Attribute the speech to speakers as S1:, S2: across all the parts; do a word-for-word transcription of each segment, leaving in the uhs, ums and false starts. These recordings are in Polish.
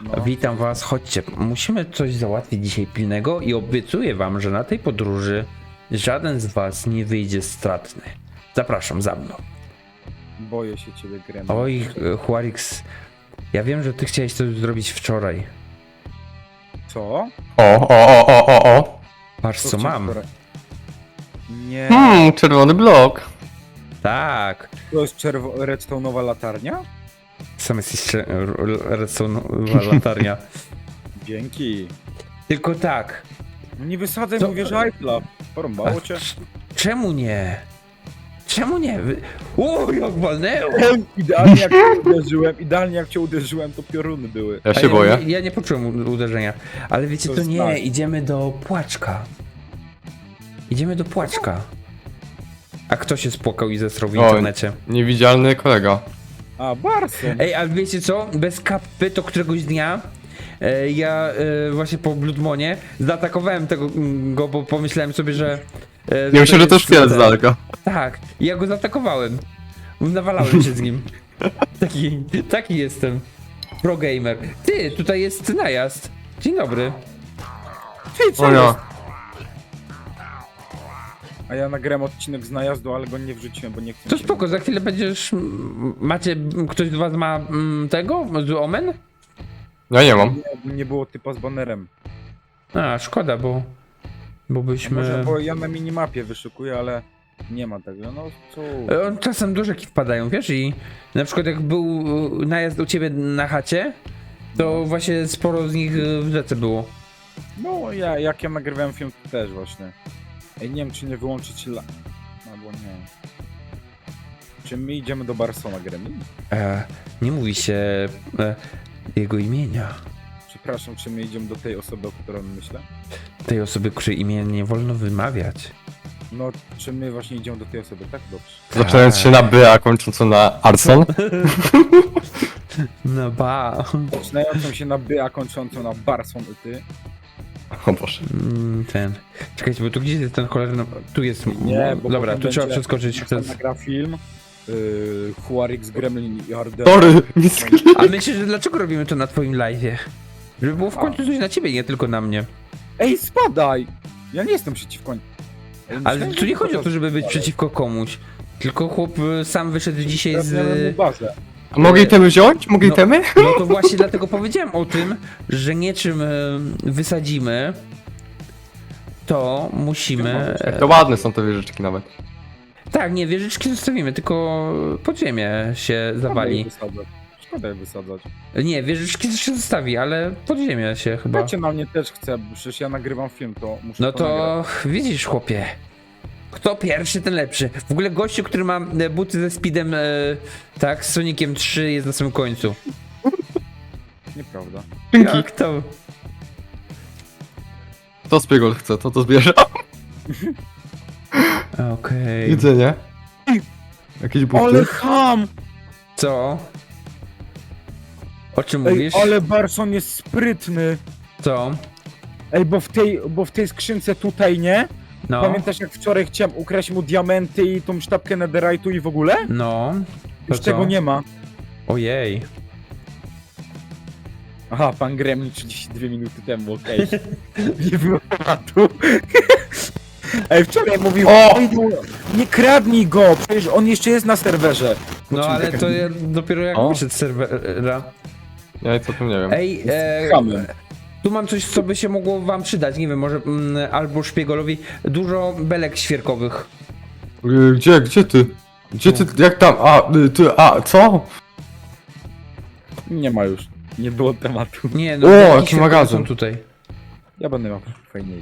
S1: No.
S2: Witam was, chodźcie. Musimy coś załatwić dzisiaj pilnego i obiecuję wam, że na tej podróży żaden z was nie wyjdzie stratny. Zapraszam za mną.
S1: Boję się ciebie, Gremlin.
S2: Oj, Huarix, ja wiem, że ty chciałeś to zrobić wczoraj.
S1: Co?
S3: O, o, o, o, o, o.
S2: Patrz co
S1: chciałem
S2: mam.
S1: wczoraj? Nie.
S3: Hmm, czerwony blok.
S2: Tak.
S1: To jest czerwo- redstone'owa latarnia?
S2: Sam jesteś cze- redstone'owa latarnia.
S1: Dzięki.
S2: Tylko tak.
S1: No nie wysadzaj,
S2: Co?
S1: mówię, że iPla. Porąbało cię.
S2: Czemu nie? Czemu nie? Wy- O, jak walnęło!
S1: Idealnie jak cię uderzyłem, idealnie jak cię uderzyłem, to pioruny były.
S3: Ja
S2: A
S3: się boję.
S2: Ja, ja nie poczułem u- uderzenia. Ale wiecie,
S1: To
S2: to
S1: jest
S2: nie,
S1: tak.
S2: idziemy do Płaczka. Idziemy do Płaczka. A kto się spłakał i zesrał w
S3: O.
S2: internecie?
S3: Niewidzialny kolega.
S1: A, Barson.
S2: Ej, ale wiecie co? Bez kapy to któregoś dnia e, ja e, właśnie po Bloodmonie zaatakowałem tego mm, go, bo pomyślałem sobie, że... E,
S3: Ja myślę, że to
S2: jest-
S3: szkielet z daleka.
S2: Tak, i ja go zaatakowałem. Nawalałem się z nim. Taki, taki jestem. Pro gamer. Ty, tutaj jest najazd. Dzień dobry.
S1: Ty, co
S3: O
S1: jest?
S3: ja.
S1: A ja nagrałem odcinek z najazdu, ale go nie wrzuciłem, bo nie chcę.
S2: To
S1: się-
S2: spoko, za chwilę będziesz... m, Macie... m, Ktoś z was ma m, tego? Z Omen?
S3: Ja nie mam.
S1: Nie, nie było typa z banerem.
S2: A, szkoda, bo... Bo
S1: A
S2: byśmy...
S1: Może, bo ja na minimapie wyszukuję, ale nie ma tego. No co?
S2: E, on czasem do rzeki wpadają, wiesz? I na przykład jak był e, najazd u ciebie na chacie, to właśnie sporo z nich e, w rzece było.
S1: No ja, jak ja nagrywałem film, to też właśnie. Ej, nie wiem, czy nie wyłączyć la... Albo nie. Czy my idziemy do Barsona, Gremlin?
S2: E, nie mówi się e, jego imienia.
S1: Przepraszam, czy my idziemy do tej osoby, o której myślę?
S2: Tej osoby, której imię nie wolno wymawiać.
S1: No, czy my właśnie idziemy do tej osoby, tak? Dobrze.
S3: Zaczynając się na B, a kończąc na Arson.
S2: No ba.
S1: Zaczynającą się na by, a kończącą na Barson i ty.
S3: O Boże.
S2: Mm, Ten. Czekajcie, bo tu gdzieś jest ten cholerny... Tu jest...
S1: Nie, bo
S2: Dobra,
S1: potem
S2: tu trzeba
S1: będzie-
S2: przeskoczyć
S1: Jak
S2: przez...
S1: nagra film, yy, Huarix, Gremlin i Arden.
S3: Sorry, nic.
S2: A myślisz, że dlaczego robimy to na twoim live'ie? Żeby było w końcu coś na ciebie, nie tylko na mnie.
S1: Ej, spadaj! Ja nie jestem przeciwko... Ej,
S2: Ale
S1: myślałem,
S2: tu
S1: że
S2: nie chodzi o to, żeby być
S1: spadaj.
S2: przeciwko komuś. Tylko chłop y, sam wyszedł dzisiaj
S1: Teraz miałem mu
S2: z...
S1: bazę.
S3: A mogę itemy wziąć? Mogę
S2: No.
S3: itemy?
S2: No to właśnie dlatego powiedziałem o tym, że niczym y, wysadzimy, to musimy...
S3: To ładne są te wieżyczki nawet.
S2: Tak, nie, wieżyczki zostawimy, tylko pod ziemię się
S1: Szkoda je
S2: zawali.
S1: wysadzać. Szkoda je wysadzać.
S2: Nie, wieżyczki się zostawi, ale pod ziemię się chyba.
S1: Wiecie, na mnie też chce, bo przecież ja nagrywam film, to muszę
S2: No
S1: to nagrać.
S2: to widzisz, chłopie. Kto pierwszy, ten lepszy. W ogóle gościu, który ma e, buty ze speedem, e, tak, z Soniciem trzy jest na samym końcu.
S1: Nieprawda.
S3: Dzięki.
S2: Jak to?
S3: To Spiegel chce, to to zbierze.
S2: Okej.
S3: Jedzenie. Jakieś
S1: Ale
S3: buty.
S1: ham!
S2: Co? O czym
S1: Ej,
S2: mówisz?
S1: ale Barson jest sprytny.
S2: Co?
S1: Ej, bo w tej, bo w tej skrzynce tutaj, nie?
S2: No.
S1: Pamiętasz, jak wczoraj chciałem ukraść mu diamenty i tą sztabkę netherite'u i w ogóle?
S2: No.
S1: Już
S2: To
S1: tego
S2: co?
S1: nie ma.
S2: Ojej.
S1: Aha, pan Gremlin trzydzieści dwie minuty temu, okej. Nie było tematu. Ej, wczoraj mówił,
S3: O!
S1: "Oj, no, nie kradnij go, przecież on jeszcze jest na serwerze.
S2: No ale to ja dopiero jak
S3: O.
S2: wyszedł z serwera.
S3: Ja co tu nie wiem.
S2: Ej, e,
S1: Hamem.
S2: tu mam coś, co by się mogło wam przydać. Nie wiem, może mm, albo szpiegolowi. Dużo belek świerkowych.
S3: Y, Gdzie, gdzie ty? Gdzie ty, jak tam? A, y, ty, a, co?
S1: Nie ma już. Nie było tematu.
S2: Nie, no
S3: O,
S2: belki
S3: jaki
S2: świerkowe
S3: magazyn.
S2: są tutaj.
S1: Ja będę miał fajniej.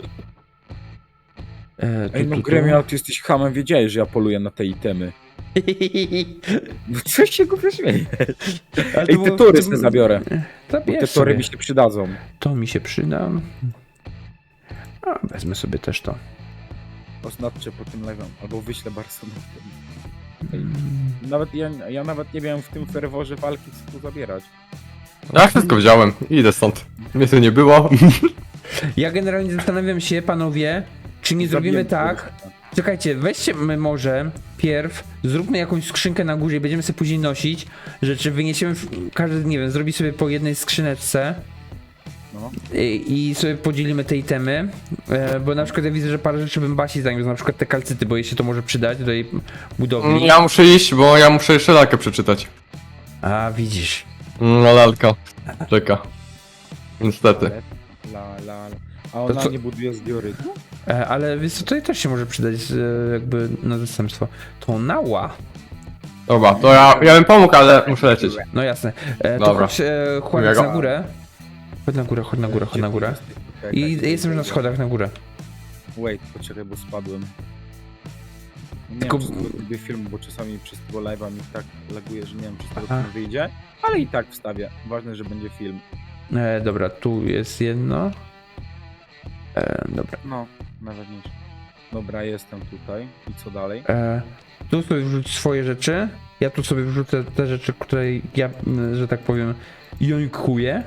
S2: E, tu,
S1: Ej, no
S2: tu, tu.
S1: Gremlin, ale ty jesteś hamem, wiedziałeś, że ja poluję na te itemy. No co się go śmiejesz?
S2: Ale to
S1: Ej,
S2: było
S1: te
S2: w
S1: tory
S2: tym-
S1: sobie zabiorę. Bo
S2: Zabierz
S1: te
S2: sobie.
S1: tory mi się przydadzą.
S2: To mi się przyda. A, wezmę sobie też to.
S1: Oznaczcie po tym lewem, albo wyślę Barsonowi.
S2: Mm.
S1: Nawet ja, ja nawet nie wiem w tym ferworze walki co tu zabierać.
S3: Ja wszystko wziąłem. Idę stąd. Mnie tu nie było.
S2: Ja generalnie zastanawiam się, panowie, czy nie zrobimy
S1: Zabiłem
S2: tak,
S1: kogoś.
S2: Czekajcie, weźcie my może pierw, zróbmy jakąś skrzynkę na górze i będziemy sobie później nosić rzeczy, wyniesiemy, w- każdy, nie wiem, zrobi sobie po jednej skrzyneczce
S1: No.
S2: i, i sobie podzielimy te itemy, e, bo na przykład ja widzę, że parę rzeczy bym Basi zaniósł, na przykład te kalcyty, bo jej się to może przydać do jej budowli.
S3: Ja muszę iść, bo ja muszę jeszcze lalkę przeczytać.
S2: A, widzisz.
S3: No lalka. Czeka. Niestety.
S1: La, la, la. A ona
S2: co-
S1: nie buduje z diorytu?
S2: E, ale wiesz co, tutaj też się może przydać e, jakby na zastępstwo. To nała.
S3: Dobra, to ja, ja bym pomógł, ale muszę lecieć.
S2: No jasne. E, to
S3: Dobra.
S2: chodź, e, Chłopak,
S3: Miłego.
S2: na górę. Chodź na górę, chodź na górę, chodź na górę. I jestem już na schodach na górę.
S1: Wait, poczekaj, bo spadłem. Nie
S2: Tylko-
S1: wiem, czy z tego lubię film, bo czasami przez tego live'a mi tak laguje, że nie wiem, czy z tego
S2: Aha.
S1: film wyjdzie, ale i tak wstawię. Ważne, że będzie film.
S2: E, dobra, tu jest jedno. E, dobra.
S1: No, najważniejsze. Dobra, jestem tutaj. I co dalej?
S2: E, tu sobie wrzuć swoje rzeczy. Ja tu sobie wrzucę te rzeczy, które ja, m, że tak powiem, jońkuję.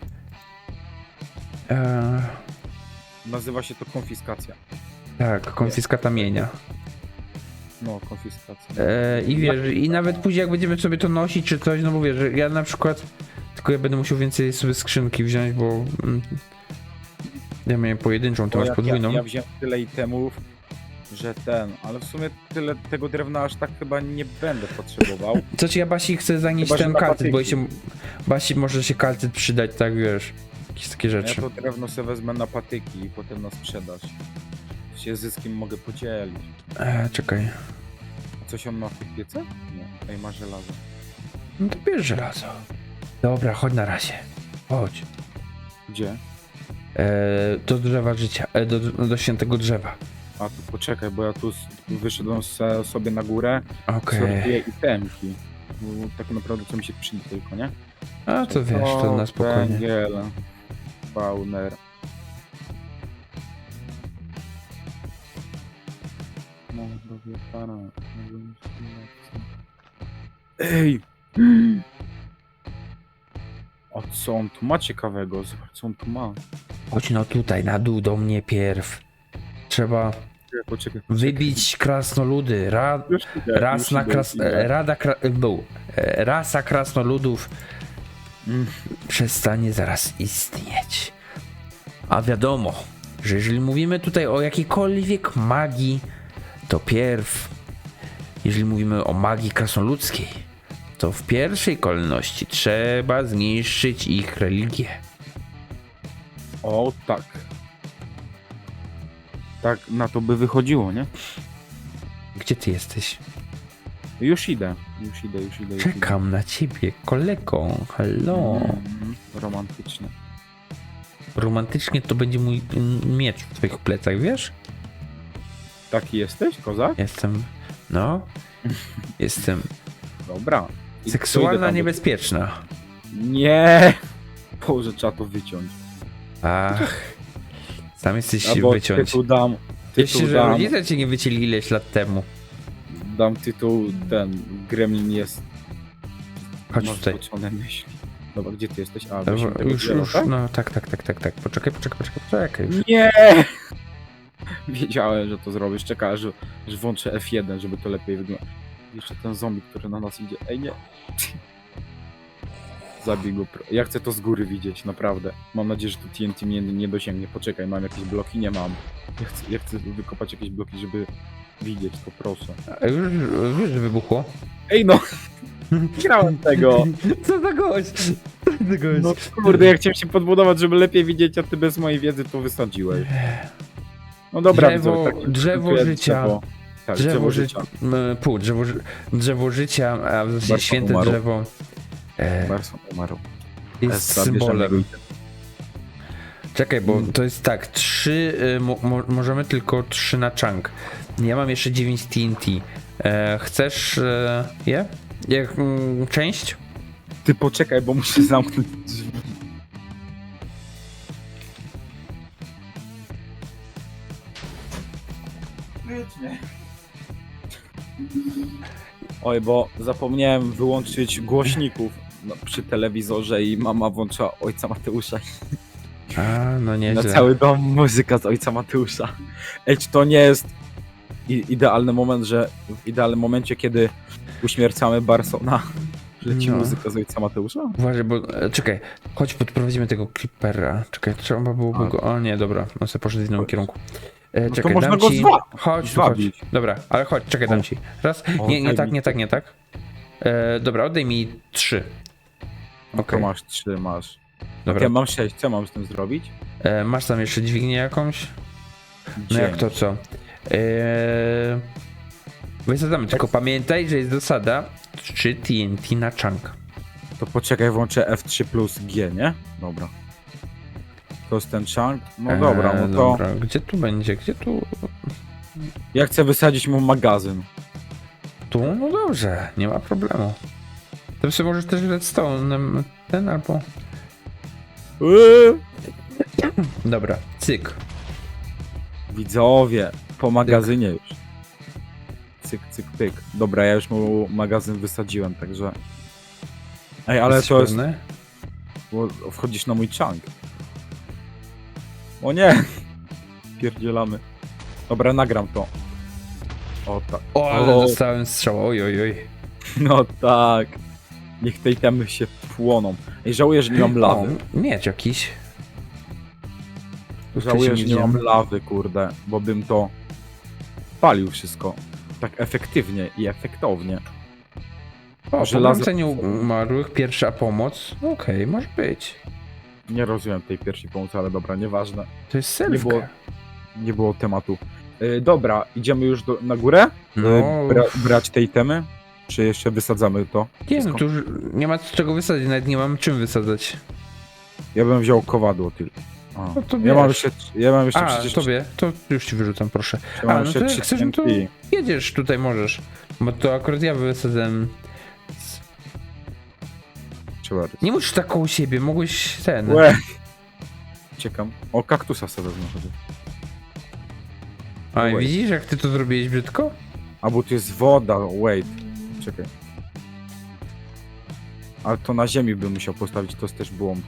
S2: E,
S1: Nazywa się to konfiskacja.
S2: tak, konfiskata mienia.
S1: No, konfiskacja.
S2: E, I wiesz, i nawet później jak będziemy sobie to nosić czy coś, no bo wiesz, że ja na przykład, tylko ja będę musiał więcej sobie skrzynki wziąć, bo mm, ja miałem pojedynczą, ty
S1: Bo
S2: masz
S1: jak
S2: podwójną.
S1: Ja, ja wziąłem tyle itemów, że ten, ale w sumie tyle tego drewna aż tak chyba nie będę potrzebował.
S2: Co ci ja Basi chcę zanieść
S1: Chyba, że
S2: ten
S1: na
S2: kalcyt, bo
S1: patyki.
S2: się Basi może się kalcyt przydać, tak wiesz, jakieś takie
S1: Ja
S2: rzeczy.
S1: to drewno sobie wezmę na patyki i potem na sprzedaż. Się zyskiem mogę podzielić.
S2: E, czekaj,
S1: A coś on ma w piece? Nie, ej, ma żelazo.
S2: no to bierz żelazo. Dobra, chodź na razie, chodź.
S1: Gdzie?
S2: E, do drzewa życia, e, do, do świętego drzewa.
S1: A tu poczekaj, bo ja tu s- wyszedłem se, sobie na górę,
S2: Okej,
S1: sortuję itemki. Bo tak naprawdę co mi się przyda tylko, nie?
S2: a to wiesz, to na spokojnie.
S1: Węgiel, spawner. No, robię para. Ej! A co on tu ma ciekawego? Zobacz, co on tu ma.
S2: Chodź no tutaj, na dół do mnie pierw. Trzeba
S1: Poczekaj, poczekaj.
S2: wybić krasnoludy. Ra,
S1: Już idę,
S2: ras
S1: już
S2: na
S1: idę,
S2: kras,
S1: już idę.
S2: rada kra, był. E, Rasa krasnoludów
S1: Mm.
S2: przestanie zaraz istnieć. A wiadomo, że jeżeli mówimy tutaj o jakiejkolwiek magii, to pierw, jeżeli mówimy o magii krasnoludzkiej, to w pierwszej kolejności trzeba zniszczyć ich religię.
S1: O, tak. Tak na to by wychodziło, nie?
S2: Gdzie ty jesteś?
S1: Już idę, już idę, już idę. Już
S2: Czekam na ciebie, kolego. Hello.
S1: idę. Mm, romantycznie.
S2: Romantycznie to będzie mój mm, miecz w twoich plecach, wiesz?
S1: Taki jesteś, kozak?
S2: Jestem, no, jestem
S1: Dobra. I co, idę
S2: seksualna,
S1: tam do-
S2: niebezpieczna.
S1: Nie! Boże, trzeba to wyciąć.
S2: Ach, sam jesteś
S1: Albo
S2: wyciąć.
S1: tytuł dam,
S2: Jeśli,
S1: tytuł
S2: że
S1: dam,
S2: rodzice cię nie wycięli ileś lat temu.
S1: dam tytuł, ten, Gremlin jest...
S2: Chodź
S1: masz
S2: tutaj.
S1: zboczone myśli. Dobra, gdzie ty jesteś? A,
S2: Dobra,
S1: wrócimy do tego
S2: już,
S1: drzewa,
S2: już,
S1: tak?
S2: no tak, tak, tak, tak, tak. Poczekaj, poczekaj, poczekaj, poczekaj już.
S1: Nie! Wiedziałem, że to zrobisz. Czekaj, że, że włączę F jeden, żeby to lepiej wyglądało. Jeszcze ten zombie, który na nas idzie. Ej, nie! Zabij go. pro- Ja chcę to z góry widzieć, naprawdę. Mam nadzieję, że to T N T mnie nie dosięgnie. Poczekaj, mam jakieś bloki? Nie mam. Ja chcę, ja chcę wykopać jakieś bloki, żeby widzieć to, proszę.
S2: A już, już że wybuchło.
S1: Ej no! Grałem tego!
S2: Co za gość? Co za gość?
S1: No kurde, ja chciałem się podbudować, żeby lepiej widzieć, a ty bez mojej wiedzy to wysadziłeś. No dobra,
S2: Drzewo-
S1: widzowie, tak,
S2: drzewo
S1: dziękuję,
S2: życia.
S1: drzewo. Tak,
S2: Drzewo,
S1: drzewo
S2: ży...
S1: życia.
S2: m, Pół, drzewo, ży- drzewo życia, a w zasadzie
S1: Bardzo
S2: święte
S1: umarł.
S2: drzewo e,
S1: Barson umarł.
S2: jest
S1: Essa, bierzemy
S2: symbolem.
S1: go.
S2: Czekaj, bo
S1: Mm.
S2: to jest tak, trzy, y, mo, mo, możemy tylko trzy na chunk. Ja mam jeszcze dziewięć T N T. E, chcesz e, je? Jak mm, część?
S1: Ty poczekaj, bo muszę zamknąć drzwi. Oj, bo zapomniałem wyłączyć głośników no, przy telewizorze i mama włączyła Ojca Mateusza.
S2: A, no
S1: Na
S2: nieźle.
S1: cały dom muzyka z Ojca Mateusza. Ej, czy to nie jest i, idealny moment, że w idealnym momencie, kiedy uśmiercamy Barsona, leci
S2: No.
S1: muzyka z ojca Mateusza?
S2: Uważaj, bo... e, Czekaj, chodź podprowadzimy tego Creepera. Czekaj, trzeba byłoby
S1: A.
S2: go... O nie, dobra, on sobie poszedł w innym
S1: Chodź.
S2: kierunku. E,
S1: to
S2: czekaj,
S1: można
S2: dam
S1: go
S2: ci...
S1: zwa-
S2: Chodź, tu, chodź.
S1: zwabić.
S2: Dobra, ale chodź, czekaj, dam
S1: O.
S2: ci. Raz,
S1: O,
S2: nie, nie
S1: daj
S2: tak,
S1: mi.
S2: nie tak, nie tak. E, dobra, oddaj mi trzy.
S1: No
S2: Okej.
S1: to masz trzy, masz.
S2: Dobra.
S1: Ja mam sześć, co mam z tym zrobić?
S2: E, masz tam jeszcze dźwignię jakąś? No
S1: Dzień.
S2: jak to co? Eee... Wysadzamy, tylko pamiętaj, że jest zasada trzy T N T na chunk.
S1: To poczekaj, włączę F trzy plus G, nie? Dobra. To jest ten chunk? No dobra, no to...
S2: Dobra, gdzie tu będzie? Gdzie tu?
S1: Ja chcę wysadzić mu magazyn.
S2: Tu? No dobrze, nie ma problemu. To sobie możesz też redstone ten albo...
S1: Eee!
S2: Dobra, cyk.
S1: Widzowie, po magazynie już. Cyk, cyk, pyk. Dobra, ja już mu magazyn wysadziłem, także... Ej, ale
S2: Jesteś
S1: to jest...
S2: pewny?
S1: Bo wchodzisz na mój chunk. O nie! Pierdzielamy. Dobra, nagram to. O tak.
S2: O, ale
S1: O.
S2: dostałem strzał, oj, oj, oj.
S1: No tak. Niech tej temy się płoną. Ej, żałuję, że nie mam lawy.
S2: O, miecz jakiś. Tu
S1: Żałuję,
S2: wcześniej
S1: że nie mam
S2: widziałem.
S1: lawy, kurde, bo bym to palił wszystko. Tak efektywnie i efektownie.
S2: O,
S1: żelazo-
S2: pogromcenie umarłych, pierwsza pomoc. Okej, może być.
S1: Nie rozumiem tej pierwszej pomocy, ale dobra, nieważne.
S2: To jest
S1: Nie było,
S2: selfka.
S1: nie było tematu. Yy, dobra, idziemy już do, na górę?
S2: No,
S1: Yy, bra, brać tej temy? Czy jeszcze wysadzamy to?
S2: nie no,
S1: wszystko?
S2: tu już nie ma czego wysadzić, nawet nie mam czym wysadzać.
S1: Ja bym wziął kowadło tylko. A,
S2: No to
S1: ja mam
S2: wiesz.
S1: jeszcze, ja mam jeszcze
S2: A,
S1: przecież...
S2: tobie, to już ci wyrzucam, proszę.
S1: Ja mam
S2: A, no
S1: jeszcze
S2: to
S1: trzy
S2: jak chcesz, no to
S1: T N T.
S2: jedziesz tutaj, możesz. Bo to akurat ja wysadzam.
S1: Trzeba...
S2: Nie musisz tak koło siebie, mogłeś ten...
S1: Łe. Ciekam. O, kaktusa sobie wezmę chociaż.
S2: A, i
S1: Wait.
S2: widzisz jak ty to zrobiłeś brzydko?
S1: A bo tu jest woda, wait. Czekaj. Ale to na ziemi bym musiał postawić, to jest też błąd.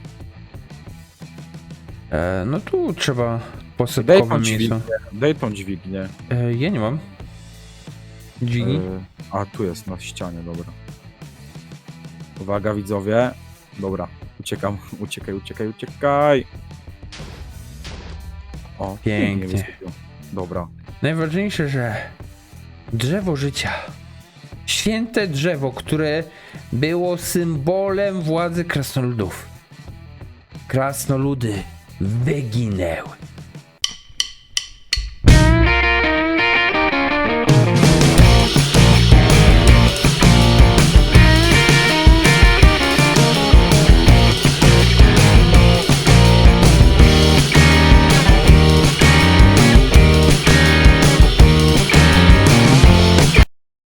S2: E, no tu trzeba
S1: Daj
S2: posypkowe
S1: tą
S2: miejsce.
S1: dźwignię, daj tą dźwignię.
S2: E, ja nie mam. Dźwigni?
S1: E, a, tu jest, na ścianie, dobra. Uwaga, widzowie. Dobra, uciekam, uciekaj, uciekaj, uciekaj. O,
S2: Pięknie.
S1: wysypiło. Dobra.
S2: Najważniejsze, że drzewo życia. Święte drzewo, które było symbolem władzy krasnoludów. Krasnoludy wyginęły.